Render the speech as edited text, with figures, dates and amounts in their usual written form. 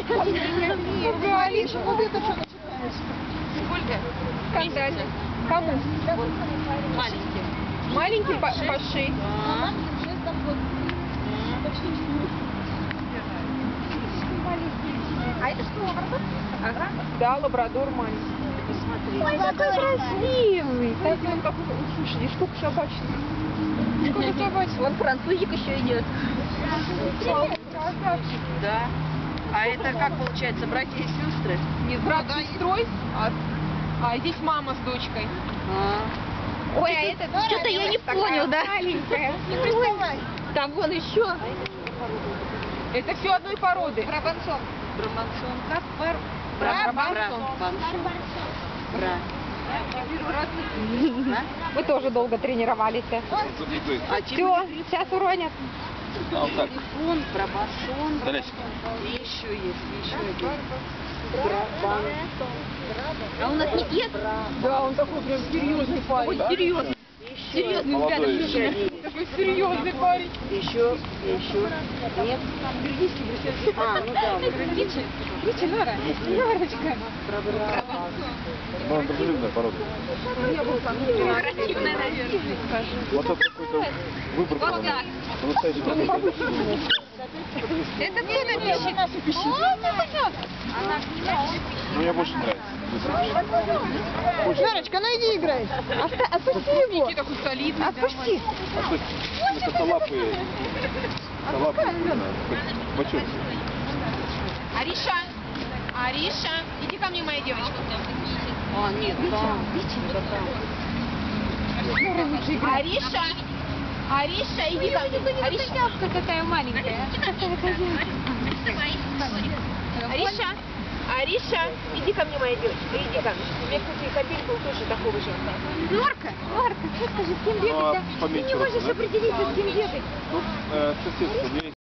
Алиша, вот это что начинается? Сколько? Скандально. Кому? Маленький. Маленький по 6. А это что, лабрадор? Ага. Да, лабрадор маленький. Посмотри. Ой, какой красивый. Так, он какой, слушай, сколько собачек. Сколько собачек. Вон французик еще идет. Красавчик. Да. А это как получается, братья и сестры? Нет, брат с сестрой, а здесь мама с дочкой. Ой, а это что-то я не понял, да? Маленькая. Ой, там вон еще. Это все одной породы. Брабансон. Брамансон. Как? Брабансон. Бра. Мы тоже долго тренировались. А Все, сейчас уронят. телефон, брабансон. Залезь. И еще есть, еще один. Брабан. А у нас не ест? Да, он такой прям серьезный парень. Ой, серьезно. Серьезный взгляд. Молодой Еще. Такой серьезный парень. Еще. Нет. А, ну да. Видите, Нора? Норочка. Ну, дружелюбная порода. Красивая, наверное. Вот это какой-то выбор. Вот так. По-настоящему. Это кто напишет? Ну, мне больше нравится. Норочка, ну иди играй. Отпусти его. Такой солидный. Отпусти. А что, это косолапые. Бачок. Ариша, Ариша, иди ко мне, моя девочка. А, нет, там. Ариша, Ариша, иди ко мне. Ариша, какая маленькая. Ариша, Ариша, иди ко мне, моя девочка, иди ко мне. У меня, кстати, капелька тоже такого же. Норка, что скажи, с кем Ну, а бегать, да? Ты поменьше не можешь роста, да? определиться, с кем бегать. Ну, соседство.